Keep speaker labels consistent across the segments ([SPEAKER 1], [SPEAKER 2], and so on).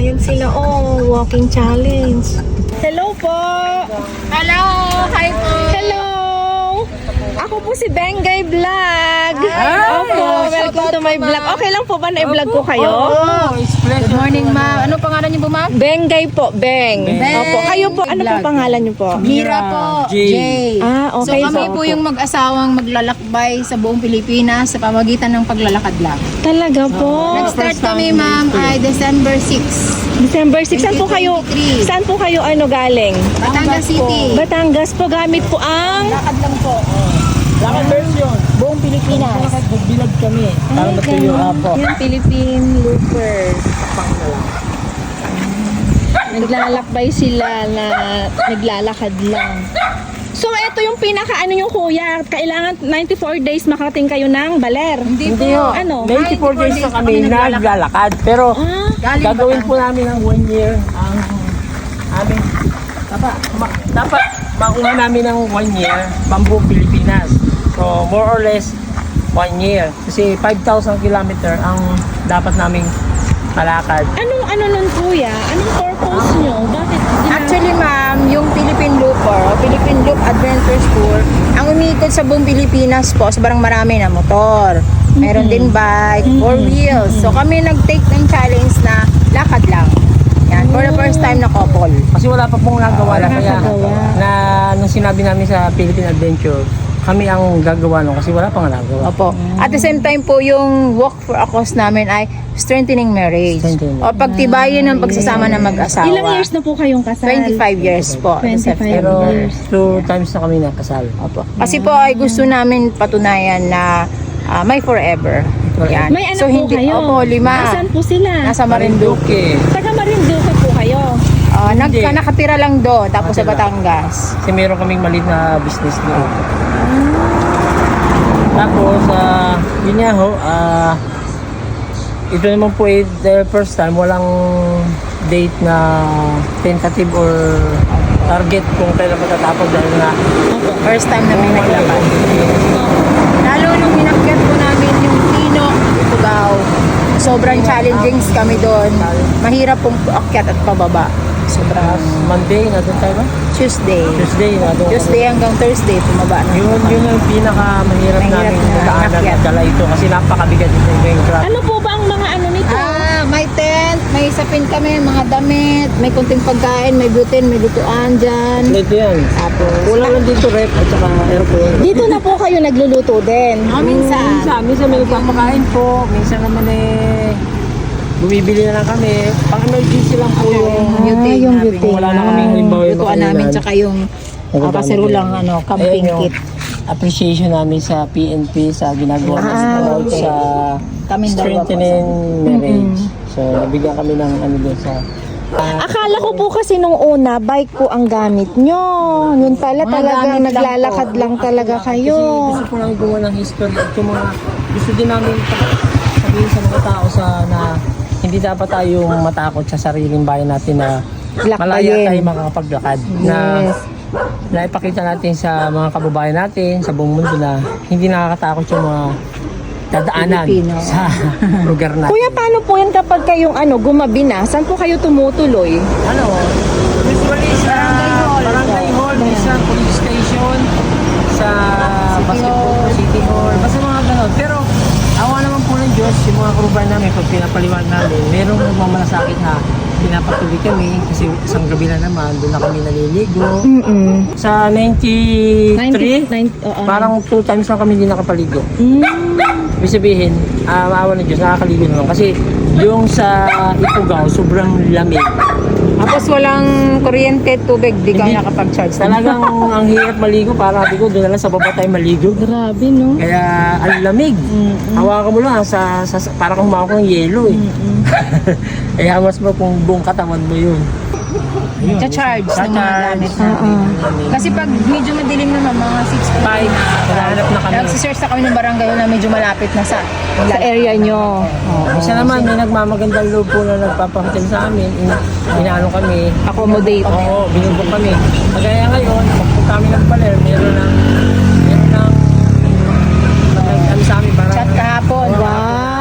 [SPEAKER 1] Ayan sila, oh, walking challenge. Hello po!
[SPEAKER 2] Hello! Hi po!
[SPEAKER 1] Hello! Ako po si Bengay Vlog. Opo, welcome to my vlog. Okay lang po ba na i-vlog ko kayo?
[SPEAKER 2] Good morning, ma'am. Ano pangalan niyo po, ma'am?
[SPEAKER 1] Bengay po, Beng. Opo, kayo po, ano po pangalan niyo po?
[SPEAKER 2] Mira po. Jay.
[SPEAKER 1] Ah, okay
[SPEAKER 2] So kami po yung mag-asawang maglalakbay sa buong Pilipinas sa pamagitan ng paglalakad lang.
[SPEAKER 1] Talaga po.
[SPEAKER 2] Nag-start kami, ma'am, ay December 6.
[SPEAKER 1] December 6. Saan po kayo?
[SPEAKER 2] 2023.
[SPEAKER 1] Saan po kayo galing?
[SPEAKER 2] Batangas City.
[SPEAKER 1] Batangas po, gamit po ang...
[SPEAKER 2] Lakad lang po.
[SPEAKER 3] Lakad version.
[SPEAKER 2] Buong Pilipinas.
[SPEAKER 3] Magbilag kami. Para matuyo po.
[SPEAKER 1] Yung Philippine Loopers. Naglalakbay sila na naglalakad lang. So, ito yung pinaka yung kuya. Kailangan 94 days makarating kayo ng Baler.
[SPEAKER 2] Hindi po.
[SPEAKER 1] Ano?
[SPEAKER 3] 94 days na kami naglalakad. Pero
[SPEAKER 1] Ah,
[SPEAKER 3] gagawin po namin ng 1 year ang aming dapat makuha namin ng 1 year pambuong Pilipinas. So more or less 1 year. Kasi 5,000 kilometer ang dapat naming malakad.
[SPEAKER 1] ano nun kuya? Anong purpose nyo? Bakit?
[SPEAKER 2] Actually, ma'am, yung Philippine Looper o Philippine Loop Adventure Tour, ang umiikot sa buong Pilipinas po, sobrang marami na motor. Meron din bike, 4 wheels. So kami nag-take ng challenge na lakad lang. Yan, for the first time na couple.
[SPEAKER 3] Kasi wala pa pong nagawa na kaya
[SPEAKER 1] nakagawa.
[SPEAKER 3] na nung sinabi namin sa Philippine Adventure, kami ang gagawa nun kasi wala pang nagawa.
[SPEAKER 2] Opo. At the same time po, yung walk for a cause namin ay strengthening marriage.
[SPEAKER 3] Strengthening.
[SPEAKER 2] O pagtibayin ng pagsasama ng mag-asawa.
[SPEAKER 1] Ilang years na po kayong kasal?
[SPEAKER 2] 25 years po.
[SPEAKER 1] 25
[SPEAKER 3] Pero
[SPEAKER 1] years.
[SPEAKER 3] 2 times na kami nakasal.
[SPEAKER 2] Opo. Kasi po ay gusto namin patunayan na may forever. Yan.
[SPEAKER 1] May anak po kayo?
[SPEAKER 2] Opo, 5.
[SPEAKER 1] Nasaan po sila?
[SPEAKER 2] Nasa Marinduque.
[SPEAKER 1] Taga Marinduque po kayo?
[SPEAKER 3] Hindi.
[SPEAKER 2] Nakatira lang doon, tapos sa
[SPEAKER 3] Nakatira.
[SPEAKER 2] Batangas.
[SPEAKER 3] Kasi meron kaming maliit na business doon. Tapos, yun nga ho, ito naman po the first time, walang date na tentative or target kung kailan matatapos dahil na
[SPEAKER 2] First time na may naglakad. Lalo nung inakyat po namin yung Pino, Ifugao. Sobrang challenging kami doon. Mahirap pong akyat at pababa. Sobrang
[SPEAKER 3] Monday, na doon tayo ba?
[SPEAKER 2] Tuesday.
[SPEAKER 3] Tuesday, na doon.
[SPEAKER 2] Tuesday hanggang Thursday, tumaba na.
[SPEAKER 3] Yun ang pinakamahirap
[SPEAKER 2] Mahirap
[SPEAKER 3] namin
[SPEAKER 2] na
[SPEAKER 3] daanan
[SPEAKER 2] akyat.
[SPEAKER 3] at dala ito kasi napakabigat ito yung traffic.
[SPEAKER 1] Ano po ba ang mga nito?
[SPEAKER 2] May tent, may sapin kami, mga damit, may kunting pagkain, may gluten, may lutuan dyan.
[SPEAKER 3] Ito yan.
[SPEAKER 2] Tapos,
[SPEAKER 3] Kulang lang dito rep at saka aircon.
[SPEAKER 1] Dito na po kayo nagluluto din.
[SPEAKER 2] minsan.
[SPEAKER 3] Minsan may nagpapakain po, minsan naman bumibili na lang kami. Pang-emergency lang po yung
[SPEAKER 2] Butane
[SPEAKER 1] yung
[SPEAKER 2] namin.
[SPEAKER 1] butane.
[SPEAKER 3] wala na kaming halimbawa yung
[SPEAKER 2] Lutuan namin, tsaka yung kasirulang camping
[SPEAKER 3] Ayan yung
[SPEAKER 2] kit.
[SPEAKER 3] appreciation namin sa PNP sa ginagawa ng support
[SPEAKER 2] okay.
[SPEAKER 3] sa
[SPEAKER 2] Kaming dalawa po.
[SPEAKER 3] strengthening marriage. So, nabigyan kami ng doon sa
[SPEAKER 1] Akala ko po kasi nung una, bike po ang gamit nyo. Yun pala
[SPEAKER 2] Mga
[SPEAKER 1] talagang
[SPEAKER 2] gamit lang
[SPEAKER 1] naglalakad
[SPEAKER 2] po.
[SPEAKER 1] lang talaga
[SPEAKER 3] Kasi
[SPEAKER 1] kayo.
[SPEAKER 3] gusto ko lang gumawa ng history at yung mga gusto din namin sabihin sa mga tao na hindi dapat tayong matakot sa sariling bayan natin na
[SPEAKER 1] Lakbayin.
[SPEAKER 3] malaya tayo makakapaglakad. Na
[SPEAKER 1] Yes.
[SPEAKER 3] naipakita natin sa mga kababayan natin sa buong mundo na hindi nakakatakot yung mga dadaanan
[SPEAKER 2] Pilipino.
[SPEAKER 3] sa lugar natin.
[SPEAKER 1] Kuya, paano po yan kapag kayong gumabi na? Saan po kayo tumutuloy?
[SPEAKER 3] Ano? Usually sa Barangay Hall, sa police station, sa basketball, city hall, basta mga ganon. Pero awa naman po ng Diyos, yung mga karubayan namin, pag pinapaliwan namin, merong nagmamalasakit na pinapatuloy kami kasi isang gabi na naman, doon na kami naliligo. Sa 93, parang 2 times na kami hindi nakapaligo. Ibig sabihin, maawa ng Diyos, nakakaligo naman. Kasi yung sa Ifugao, sobrang lamig.
[SPEAKER 2] Tapos walang kuryente, tubig, di ka
[SPEAKER 3] Hindi.
[SPEAKER 2] nakapag-charge.
[SPEAKER 3] Talagang ang hirap maligo, para sabi ko, doon na lang sa baba tayo maligo.
[SPEAKER 1] Grabe, no?
[SPEAKER 3] Kaya ang lamig. Hawakan mo lang, para kang humawak ng yelo eh. Kaya mas mo kung buong katawan mo yun.
[SPEAKER 2] Cha-charge ng mga gamit
[SPEAKER 3] namin.
[SPEAKER 2] Kasi pag medyo madilim naman, mga 6
[SPEAKER 3] Five, naghahanap na kami.
[SPEAKER 2] Nagsisearch na kami ng barangay na medyo malapit na sa
[SPEAKER 1] Sa area nyo.
[SPEAKER 3] Isa naman, may nagmamagandang loob po na nagpapahotel sa amin. Inaano kami.
[SPEAKER 1] Accommodate.
[SPEAKER 3] Oo, binubok kami. Kagaya ngayon, pagpunta kami ng Paler, meron ng ano sa amin para
[SPEAKER 2] chat kahapon.
[SPEAKER 1] Wow.
[SPEAKER 2] Sagot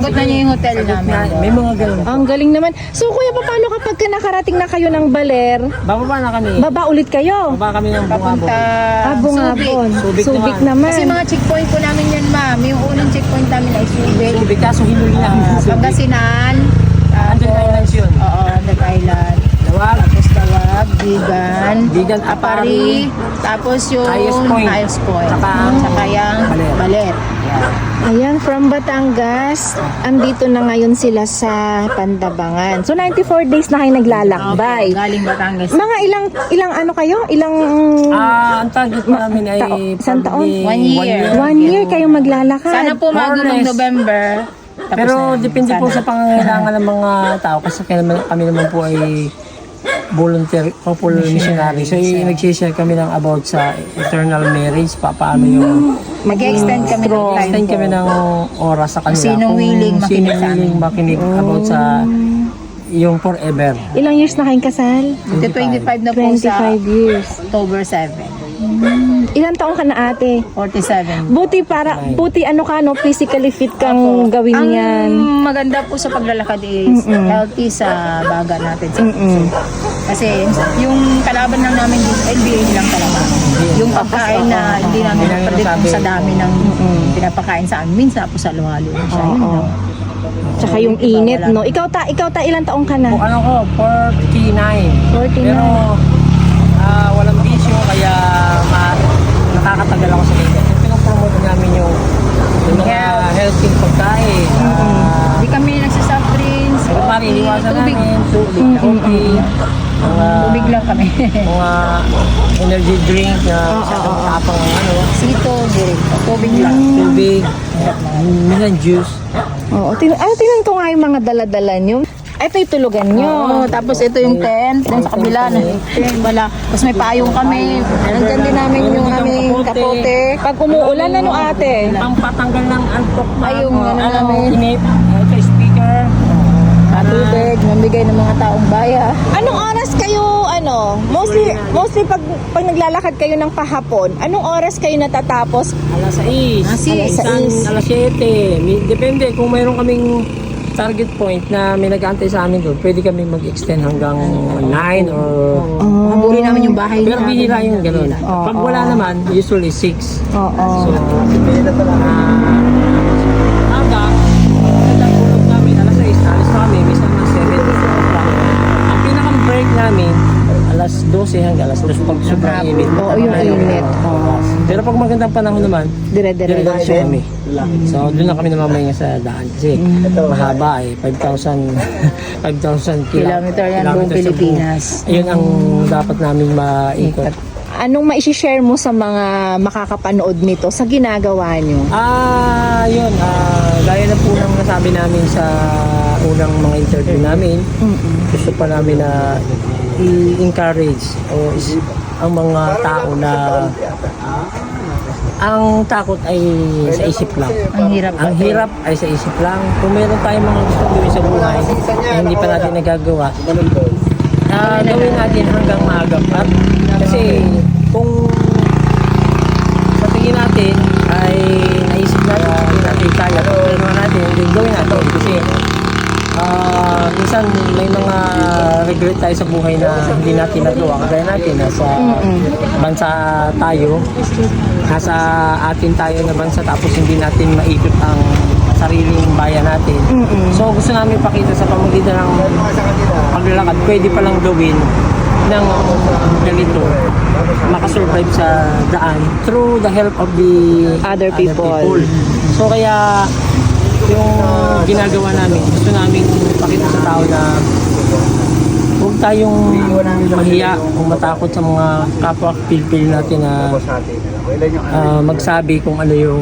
[SPEAKER 2] Nasagot na niya yung hotel namin.
[SPEAKER 3] May mga ganun.
[SPEAKER 1] Ang galing naman. So kuya, paano kapag ka nakarating na kayo ng Baler,
[SPEAKER 3] Bababa na kami.
[SPEAKER 1] baba ulit kayo?
[SPEAKER 3] Baba kami ng
[SPEAKER 2] Papunta
[SPEAKER 3] Bungabon.
[SPEAKER 1] Bungabon.
[SPEAKER 3] Subic
[SPEAKER 1] Subic
[SPEAKER 3] naman.
[SPEAKER 2] Kasi
[SPEAKER 1] naman.
[SPEAKER 2] mga checkpoint po namin yan, ma'am. Yung unang checkpoint namin ay Subic.
[SPEAKER 3] Subic, kaso hinuli namin sa Subic.
[SPEAKER 2] Pangasinan.
[SPEAKER 3] Andun Islands yun.
[SPEAKER 2] Oo, Andal Island.
[SPEAKER 3] Lawag,
[SPEAKER 2] Tapos Tawag, Bigan,
[SPEAKER 3] Bigan, Apari,
[SPEAKER 2] tapos yung
[SPEAKER 3] Highest Point.
[SPEAKER 2] Highest Point.
[SPEAKER 3] Saka-
[SPEAKER 2] Saka yung
[SPEAKER 3] Baler.
[SPEAKER 2] Baler.
[SPEAKER 1] Ayan, from Batangas, andito na ngayon sila sa Pandabangan. So 94 days na kayo naglalakbay.
[SPEAKER 2] Galing Batangas.
[SPEAKER 1] Mga ilang ano kayo? Ilang
[SPEAKER 3] ang target pa namin ay
[SPEAKER 1] isang taon?
[SPEAKER 3] probably
[SPEAKER 2] 1 year.
[SPEAKER 1] 1 year kayong maglalakad.
[SPEAKER 2] Sana po
[SPEAKER 3] More or
[SPEAKER 2] magulong
[SPEAKER 3] less.
[SPEAKER 2] November. Tapos
[SPEAKER 3] Pero
[SPEAKER 2] na.
[SPEAKER 3] depende po sa pangangailangan ng mga tao kasi kami naman po ay volunteer couple missionary. So nag-share kami ng about sa eternal marriage, paano yung
[SPEAKER 2] Mag-extend kami ng time
[SPEAKER 3] extend
[SPEAKER 2] po.
[SPEAKER 3] kami ng oras sa kanila.
[SPEAKER 2] Sinong
[SPEAKER 3] Kung
[SPEAKER 2] willing makinig
[SPEAKER 3] sinong
[SPEAKER 2] sa amin.
[SPEAKER 3] willing makinig about sa yung forever.
[SPEAKER 1] Ilang years na kayong kasal?
[SPEAKER 2] Ito 25 na po sa
[SPEAKER 1] 25 years.
[SPEAKER 2] October 7.
[SPEAKER 1] Ilang taong ka na ate?
[SPEAKER 2] 47.
[SPEAKER 1] Buti ano ka no, physically fit kang gawin
[SPEAKER 2] Ang
[SPEAKER 1] yan.
[SPEAKER 2] maganda po sa paglalakad is healthy sa baga natin sa puso. Kasi yung kalaban lang namin dito, LBA lang talaga. Yung pagkain na hindi namin
[SPEAKER 3] Hindi namin
[SPEAKER 2] predict
[SPEAKER 3] masabi.
[SPEAKER 2] sa dami ng pinapakain sa amin. Minsan po sa luhalo na siya. Yun lang.
[SPEAKER 1] Tsaka yung init no. Ikaw ta ilang taong ka na?
[SPEAKER 3] Kung ano ko, 49.
[SPEAKER 1] 49.
[SPEAKER 3] Pero walang bisyo kaya nakakatagal ako sa linya. Pinopromote namin yung mga healthy pagkain.
[SPEAKER 2] Hindi kami nagsasoft drinks,
[SPEAKER 3] Pero pare, iniwasan
[SPEAKER 2] tubig.
[SPEAKER 3] namin, tubig, coffee, mga,
[SPEAKER 2] Tubig lang kami.
[SPEAKER 3] mga energy drink na isang tapang ano,
[SPEAKER 2] Sito, tubig lang.
[SPEAKER 3] tubig, minsan juice.
[SPEAKER 1] Oo, tingnan ko nga yung mga dala-dala nyo. Ito yung tulugan nyo.
[SPEAKER 2] Oo, tapos ito yung tent, dun sa kabila, wala. Tapos may payong kami. Nandyan din namin yung aming kapote.
[SPEAKER 1] Pag umuulan, ano ate?
[SPEAKER 3] Pampatanggal ng antok na
[SPEAKER 2] Ay, yung ano namin.
[SPEAKER 3] inip, ito speaker.
[SPEAKER 2] Tubig, mamigay ng mga taong baya.
[SPEAKER 1] Anong oras kayo, mostly pag naglalakad kayo ng pahapon, anong oras kayo natatapos?
[SPEAKER 3] Alas 6,
[SPEAKER 1] Alas 6.
[SPEAKER 3] alas 7. Depende kung mayroon kaming target point na may nag-aantay sa amin doon, pwede kami mag-extend hanggang 9 or...
[SPEAKER 2] Habulin namin yung bahay
[SPEAKER 3] Pero
[SPEAKER 2] namin.
[SPEAKER 3] bihira yung gano'n. Pag wala naman, usually 6.
[SPEAKER 1] Oo.
[SPEAKER 3] So, aga, tulog namin, alas 6, alas na kami, minsan mga 7. Ang pinakang break namin, alas 12 hanggang alas 2 pag sobrang init.
[SPEAKER 1] Oo, yung init. Oo.
[SPEAKER 3] Pero pag magandang panahon naman,
[SPEAKER 1] Dire-diretso.
[SPEAKER 3] diretso kami. So, doon na kami namamahinga sa daan. Kasi mahaba eh. 5,000
[SPEAKER 2] Kilometer yan buong
[SPEAKER 3] kilometers sa
[SPEAKER 2] Pilipinas.
[SPEAKER 3] Ayun ang dapat namin maikot.
[SPEAKER 1] Anong maisishare mo sa mga makakapanood nito sa ginagawa nyo?
[SPEAKER 3] Yun. Gaya na po ng nasabi namin sa unang mga interview namin, gusto pa namin na i-encourage ang mga tao na ang takot ay sa isip lang.
[SPEAKER 2] Ang hirap.
[SPEAKER 3] Ang hirap ay sa isip lang. Kung meron tayong mga gusto gawin sa buhay na hindi pa natin nagagawa, gawin natin hanggang maaga pa. Kasi kung sa tingin natin ay naisip natin, hindi natin kaya, kung meron natin, then gawin natin. Kasi minsan may mga regret tayo sa buhay na hindi natin nagawa. Kagaya natin, nasa bansa tayo, nasa atin tayo na bansa tapos hindi natin maikot ang sariling bayan natin. So gusto namin pakita sa pamamagitan ng paglalakad, pwede palang gawin ng ganito, makasurvive sa daan through the help of the
[SPEAKER 1] Other people.
[SPEAKER 3] So kaya yung ginagawa namin, gusto namin pakita sa tao na huwag tayong mahiya o matakot sa mga kapwa Pilipino natin na magsabi kung ano yung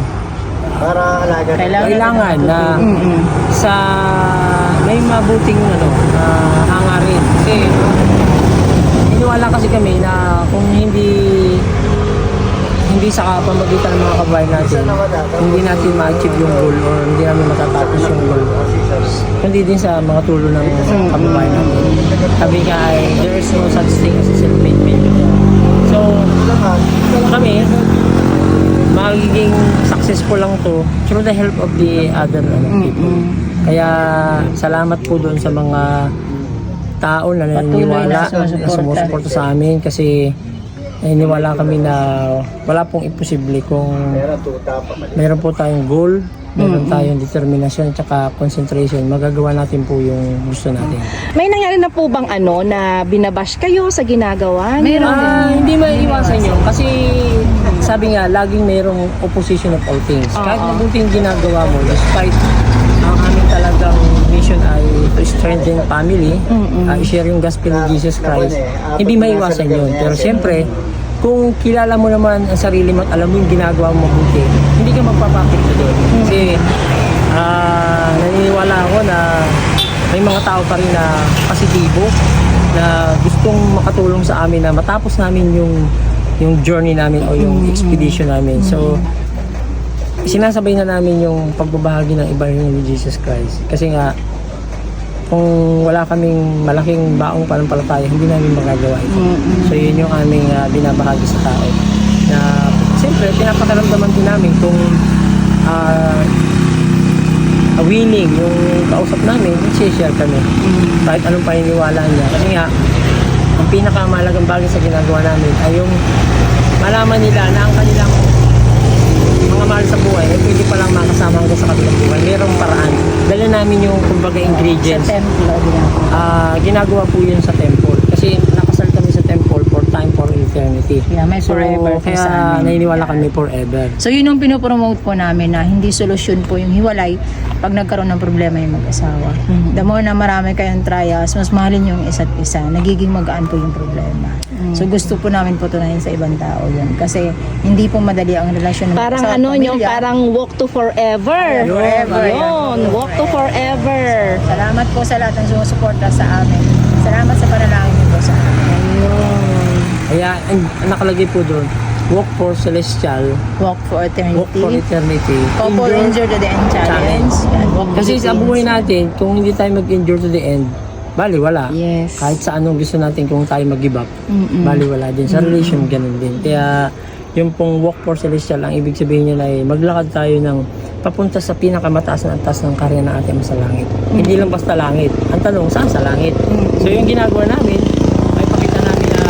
[SPEAKER 3] kailangan na sa may mabuting hangarin. Kasi iniwala kasi kami na kung hindi sa pamagitan ng mga kabayan natin, hindi natin ma-achieve yung goal or hindi namin matatapos yung goal. Kundi din sa mga tulong ng kababayan natin. Sabi nga ay, there is no such thing as a self-made man. So, kami, magiging success successful lang to through the help of the other people. Kaya salamat po doon sa mga tao na naniniwala, na sumusuporta sa amin kasi naniniwala kami na wala pong imposible kung meron po tayong goal, meron tayong determinasyon at saka concentration, magagawa natin po yung gusto natin.
[SPEAKER 1] May nangyari na po bang na binabash kayo sa ginagawa niyo?
[SPEAKER 3] Hindi maiiwasan yun kasi sabi nga, laging mayroong opposition of all things. Kahit mabuti yung ginagawa mo, despite ang aming talagang mission ay to strengthen family, i-share yung gospel of Jesus Christ, hindi maiiwasan yun. Pero siyempre, kung kilala mo naman ang sarili mo at alam mo yung ginagawa mo mabuti, hindi ka magpapakit na doon. Kasi naniniwala ako na may mga tao pa rin na positibo, na gustong makatulong sa amin na matapos namin yung journey namin o yung expedition namin. So, sinasabay na namin yung pagbabahagi ng Ebanghelyo ni Jesus Christ. Kasi nga, kung wala kaming malaking baong panampalataya, hindi namin magagawa ito. So, yun yung aming binabahagi sa tao. Na, siyempre, pinapakaramdaman din namin kung willing yung kausap namin, share kami. Kahit anong paniniwala niya. Kasi nga, ang pinakamahalagang bagay sa ginagawa namin ay yung malaman nila na ang kanilang mga mahal sa buhay ay pwede palang makasama hanggang sa kabilang buhay. Mayroong paraan. Dala namin yung kumbaga ingredients.
[SPEAKER 2] Sa templo,
[SPEAKER 3] Ginagawa po yun sa temple. Kasi nakasal kami sa temple for time, for eternity.
[SPEAKER 2] Yeah, may forever po
[SPEAKER 3] kaya
[SPEAKER 2] sa amin.
[SPEAKER 3] naniniwala kami forever.
[SPEAKER 2] So yun yung pinopromote po namin na hindi solusyon po yung hiwalay pag nagkaroon ng problema yung mag-asawa. The more na marami kayong trials, mas mahalin yung isa't isa, nagiging magaan po yung problema. So gusto po namin po tunayan sa ibang tao yun. Kasi hindi po madali ang relasyon ng
[SPEAKER 1] Parang
[SPEAKER 2] mag-asawa at
[SPEAKER 1] yung
[SPEAKER 2] pamilya.
[SPEAKER 1] parang walk to forever.
[SPEAKER 2] Forever.
[SPEAKER 1] Yun, walk to forever.
[SPEAKER 2] Salamat po sa lahat ng sumusuporta sa amin. Salamat sa panalangin niyo po sa amin.
[SPEAKER 3] Kaya ang nakalagay po doon, walk for celestial,
[SPEAKER 2] Walk for eternity.
[SPEAKER 3] walk for eternity.
[SPEAKER 2] Couple endure to the end challenge. Yan, walk
[SPEAKER 3] Kasi sa
[SPEAKER 2] Philippines.
[SPEAKER 3] buhay natin, kung hindi tayo mag-endure to the end, bali wala.
[SPEAKER 1] Yes.
[SPEAKER 3] Kahit sa anong gusto natin, kung tayo mag-give up, bali wala din. Sa relation, ganun din. Kaya yung pong walk for celestial, ang ibig sabihin niya ay maglakad tayo ng papunta sa pinakamataas na antas ng karya ng ating sa langit. Hindi lang basta langit. Ang tanong, saan sa langit? So yung ginagawa namin, ay pakita namin na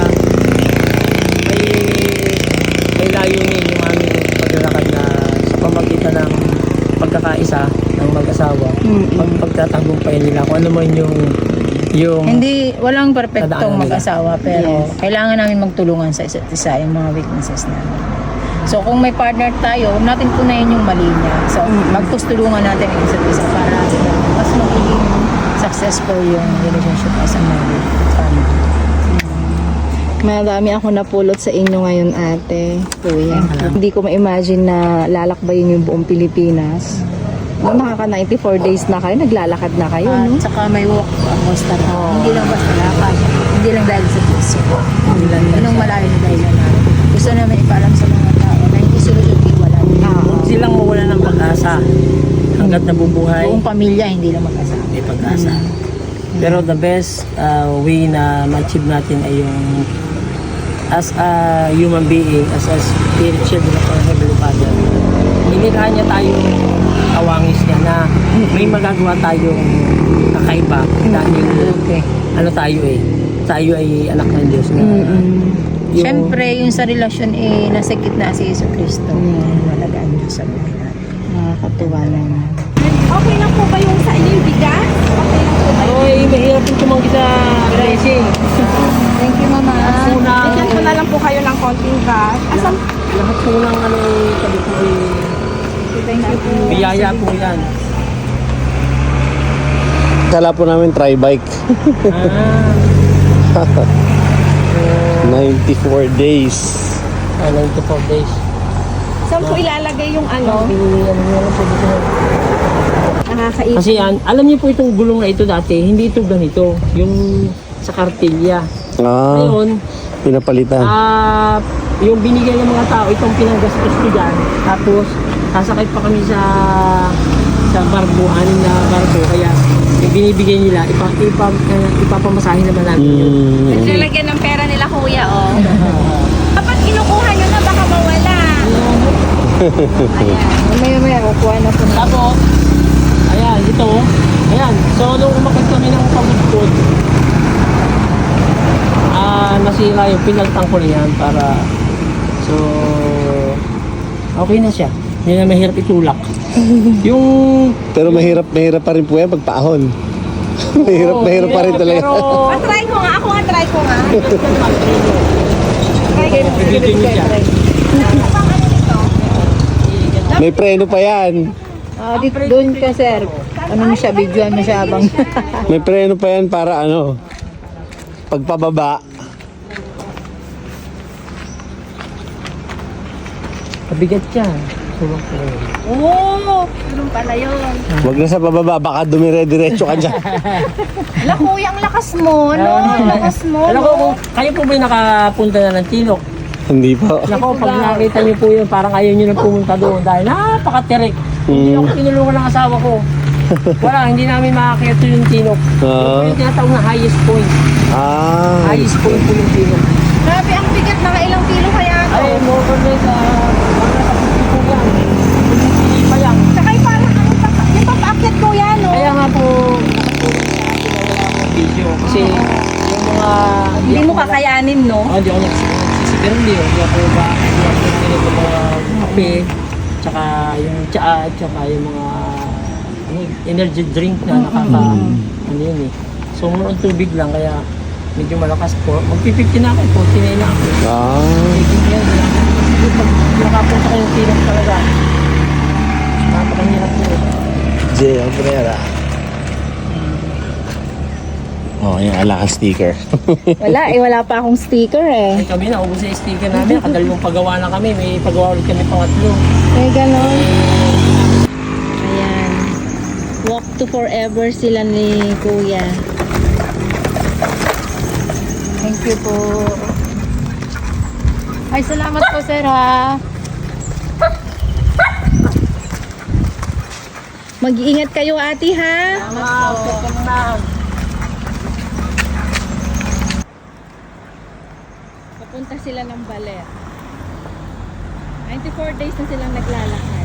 [SPEAKER 3] may layunin yung aming paglalakad na sa pamagitan ng pagkakaisa ng mag-asawa, pagtatagumpayan nila kung ano man yung
[SPEAKER 2] Hindi, walang perpektong
[SPEAKER 3] Tadaanan nila.
[SPEAKER 2] mag-asawa pero kailangan namin magtulungan sa isa't isa yung mga weaknesses namin. So kung may partner tayo, huwag natin punayin yung mali niya. So magtulungan natin yung isa't isa para mas magiging successful yung relationship as a married family.
[SPEAKER 1] Marami ako napulot sa inyo ngayon, ate. Kuya. Hindi ko ma-imagine na lalakbayin yung buong Pilipinas. Nung nakaka 94 days na kayo, naglalakad na kayo,
[SPEAKER 2] At
[SPEAKER 1] no?
[SPEAKER 2] saka may walk ang costa na. Hindi lang basta lakad. Hindi lang dahil sa puso. Anong malayo na dahil na namin. Gusto namin ipaalam sa mga tao na hindi solusyon iwalay.
[SPEAKER 3] Huwag silang mawala ng pag-asa hanggat nabubuhay.
[SPEAKER 2] Buong pamilya hindi lang mag-asawa.
[SPEAKER 3] May pag-asa. Pero the best way na ma-achieve natin ay yung as a human being, as a spirit children of our Heavenly Father, inilaan niya tayong kawangis niya na may magagawa tayong kakaiba dahil ano tayo ay anak ng Diyos na
[SPEAKER 2] Siyempre, yung sa relasyon nasa gitna si Yesu Cristo. Malagaan Diyos sa buhay natin.
[SPEAKER 1] Nakakatuwa naman. Okay lang po ba yung sa inyo yung bigas? Okay lang po ba
[SPEAKER 3] Oy, mahirap yung tumanggi sa blessing.
[SPEAKER 2] Thank you, Mama.
[SPEAKER 1] Bigyan ko na lang po kayo ng konting gas. Asan?
[SPEAKER 3] Lahat po ng ano sabi ko
[SPEAKER 2] Thank you po.
[SPEAKER 3] biyaya po yan.
[SPEAKER 4] Kala po namin tri-bike. 94 days.
[SPEAKER 3] 94 days.
[SPEAKER 1] Saan po ilalagay yung ano? Nakakaisip.
[SPEAKER 3] Kasi alam niyo po itong gulong na ito dati, hindi ito ganito. Yung sa kartilya. Ngayon,
[SPEAKER 4] Pinapalitan.
[SPEAKER 3] yung binigay ng mga tao, itong pinanggastos ko dyan. Tapos, sasakay pa kami sa barko, anim na barko. Kaya, yung binibigay nila, ipapamasahin naman namin yun.
[SPEAKER 1] Naglalagyan ng pera nila kuya, oh. Kapag kinukuha nyo na, baka mawala.
[SPEAKER 2] Mamaya kukuha na po.
[SPEAKER 3] Tapos, ayan, ito. Ayan, so nung umakit kami ng pagudpod, nasira yung pinaltang ko na yan para, so, okay na siya. Hindi na mahirap itulak. Yung,
[SPEAKER 4] Pero mahirap pa rin po yan pagpaahon. mahirap pa rin talaga.
[SPEAKER 3] Pero,
[SPEAKER 2] Try ko nga, ako nga try ko nga.
[SPEAKER 3] Bibitin niyo siya.
[SPEAKER 4] May preno pa yan.
[SPEAKER 2] Doon ka sir. Ano mo siya, videoan mo siya abang.
[SPEAKER 4] May preno pa yan para ano, pagpababa.
[SPEAKER 3] Mabigat siya. Tulak ko.
[SPEAKER 2] Oo, ganun pala yun.
[SPEAKER 4] Huwag na sa pababa, baka dumire-diretso ka dyan.
[SPEAKER 2] Ala kuya, ang lakas mo, no? Ang lakas mo,
[SPEAKER 3] Alam ko,
[SPEAKER 2] no?
[SPEAKER 3] kung kayo po ba yung nakapunta na ng Tinok?
[SPEAKER 4] Hindi po.
[SPEAKER 3] Nako, pag nakita niyo po yun, parang ayaw niyo na pumunta doon dahil napakatirik. Hindi ako tinulungan ng asawa ko. Wala, hindi namin makakita yung Tinok.
[SPEAKER 4] Ah.
[SPEAKER 3] Yung tinatawag na highest point.
[SPEAKER 4] Ah,
[SPEAKER 3] Highest point po yung Tinok.
[SPEAKER 2] Grabe, ang bigat, nakailang kilo kaya to?
[SPEAKER 3] Ay, more or less, mga sa po yan. Hindi pa yan.
[SPEAKER 2] Tsaka yung parang, yung papaakyat kuya, no?
[SPEAKER 3] Kaya nga po, nakatulong sa akin na wala akong video. Kasi yung mga...
[SPEAKER 2] Hindi mo kakayanin, no?
[SPEAKER 3] Oh, hindi ako nagsisigarilyo. Hindi ako ba, hindi ako nagsisilip ng mga kape, tsaka yung tsaa, tsaka yung mga energy drink na ano yun eh. So, muna tubig lang, kaya medyo malakas po. Magpi-50 na ako, 49 na ako.
[SPEAKER 4] ah.
[SPEAKER 3] Taking yan, pag nakapunta kayong Tinok talaga, napakahirap po eh.
[SPEAKER 4] Jay, ang prera. Oh, yan, ala kang sticker.
[SPEAKER 1] Wala pa akong sticker eh.
[SPEAKER 3] Ay kami, naubos na yung sticker namin. Nakadalawang pagawa na kami. May pagawa ulit kami pangatlo.
[SPEAKER 1] May ganon. Ayan. Walk to forever sila ni Kuya.
[SPEAKER 2] Thank you po. Ay, salamat po, sir, ha?
[SPEAKER 1] Mag-iingat kayo ate ha. Papunta sila ng Baler. 94 days na silang naglalakad.